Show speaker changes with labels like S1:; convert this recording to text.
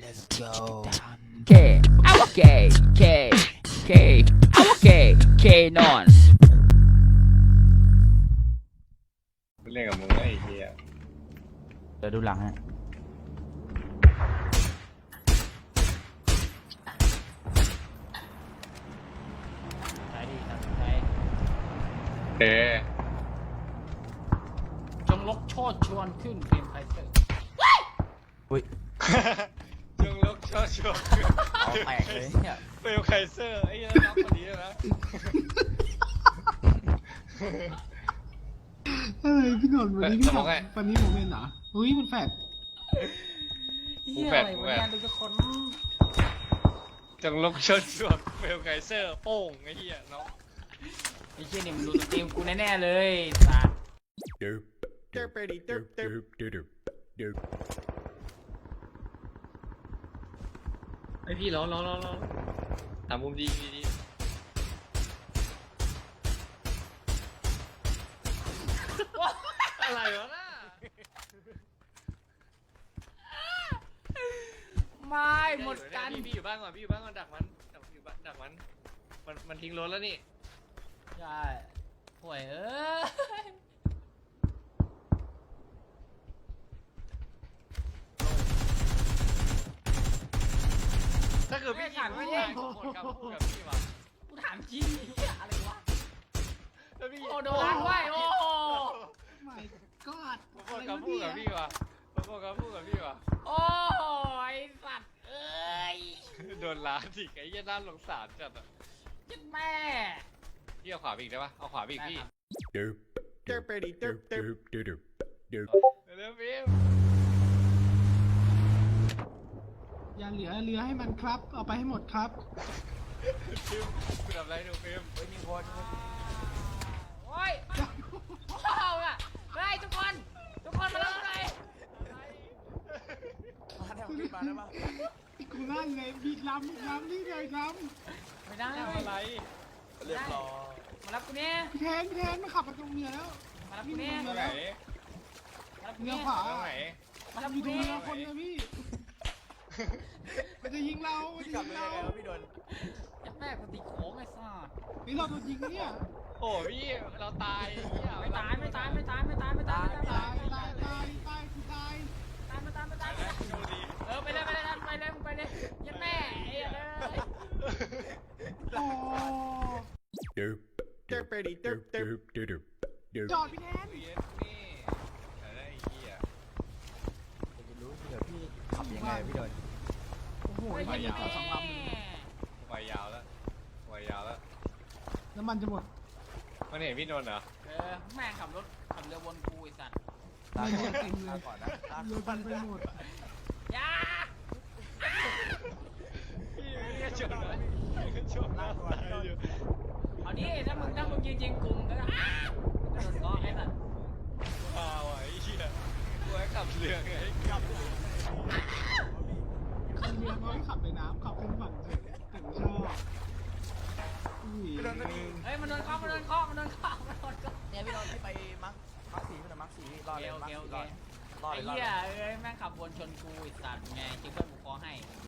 S1: Let's go.
S2: K, our K, K, K, our K, K นอน
S3: เล่นกับมึงไอ้เหี้ย
S2: เดี๋ยวดูหลังฮะ
S4: ใช้ดีครับใช้
S3: เต้
S4: จงลกโชดชวนขึ้นเกมไฟเตอร์
S2: อุ้ย
S3: จงลกชอบชอบ
S2: เอาแตกเลยเนี่ย
S3: เปลวไคเซอร์ไอ้เหี้ยรับคนนี้นะ
S5: เฮ้ยพี่หนนท์วันนี้พี่บอกวันนี้ผมเห็นเหรอเฮ้ยมันแฟด
S4: เฮียอะไรวะเนี่ยดูทุกคน
S3: จงลกชอบชอบเปลวไคเซอร์โป้งไอ้เหี้ยเนาะ
S4: ไอ้เฮียนี่มันดูสตรีมกูแน่ๆเลยสัตว์
S3: ไอพี่ร้องถามมุมดีอะไรวะน่ะ
S4: ไม่หมดกัน
S3: พี่อยู่บ้านก่อนดักมันดักมันทิ้งรถแล้วนี่
S4: ใช่ห่วยเอ้ย
S3: ถ้าเกิดพี่ยิงไม่ได้ผมหมดคำพูดกับพี่ว่ะ
S4: กูถามจริงเฮียอะไรวะ
S3: ถ้าพี่
S4: โอ้โดนไว้โอ้โห
S5: ไม่กอด
S3: ผมหมดคำพูดกับพี่ว่ะผมหมดคำพูดกับพี่ว่ะ
S4: โอ้ยสัตว์เอ้ย
S3: โดนล้าจิกไอ้เหี้ยน่าสงสารจัดอ่ะ
S4: ยัดแม่
S3: พี่เอาขวาไปอีกได้ปะเอาขวาไปอีกพี่
S4: ได้
S3: เร็วพี่
S5: อย่าเหลือเรือให้มันครับ เอาไปให้หมดครับ
S3: ฟิล์มคุณทำอะไรหนูฟิล์ม
S4: โอ้ยว้าวอ่ะเฮ้ยทุกคนมาแล้วไง
S5: กูนั่งไงบีดลำนี่เลยล
S4: ไม่ได้
S3: ทำอะไร
S4: เรียบร้อยมารับกูเนี่ย
S5: ำพี่แทนมาขับมาตรงเรือแล้ว
S4: มารับกูเนี่ย
S3: ตรงไหน
S4: มารับกู
S5: เรือ
S4: เนี่ย
S5: ขวา
S3: ตรงไหน
S4: มารับ
S5: อ
S4: กู
S5: ยู่ตรง
S4: เนี่ย
S5: เรือคนนะพี่ มันจะยิงเรามันจะยิงเรา
S4: ยัดแม่กูตีโค้งไอ้สัส
S5: นี่เราโดนยิงเนี่ย
S3: โอ้พี่เราตาย
S4: ไม่ตายกูตาย
S5: ตายกูตาย
S4: ไปเลยยัดแม่ไอ้เลย
S5: โอ้จอดพี่แทน
S3: เย็นนี่อะไรเหี้ย
S2: ขับยังไงพี่โดน
S5: โอ้โหยิงต่อสองลำเลย
S3: วายยาวแล้ววายยาวแล้ว
S5: น้ำมันจะหมด
S3: มันเห็นพี่นนท์เหรอ
S4: แม่ขับเรือวนกูไอ้สัตว์
S5: ไม่หมดเต็มเลยเรือกันไปหมด
S4: ยา
S3: พี่ชนนะชนนะตายอยู่
S4: เอาดิถ้ามึงยิงกลุ่มก็อ้าวโดนล้อไอ้สัตว์
S3: ว้าวไอ้เหี้ยกูให้ขับเรือไงขับ
S5: เรือน้อยขับในน้ำขับขึ้นฝั่งเฉยแต่ไม่ชอบ
S4: เฮ้ยมันโดนเคาะเนี่ยพี่โดนที่ไปมักสีรอดเลยมักสีรอดไอ้เหี้ยแม่งขับวนชนกูไอ้สัตว์ไงคิดว่ากูเคาะให้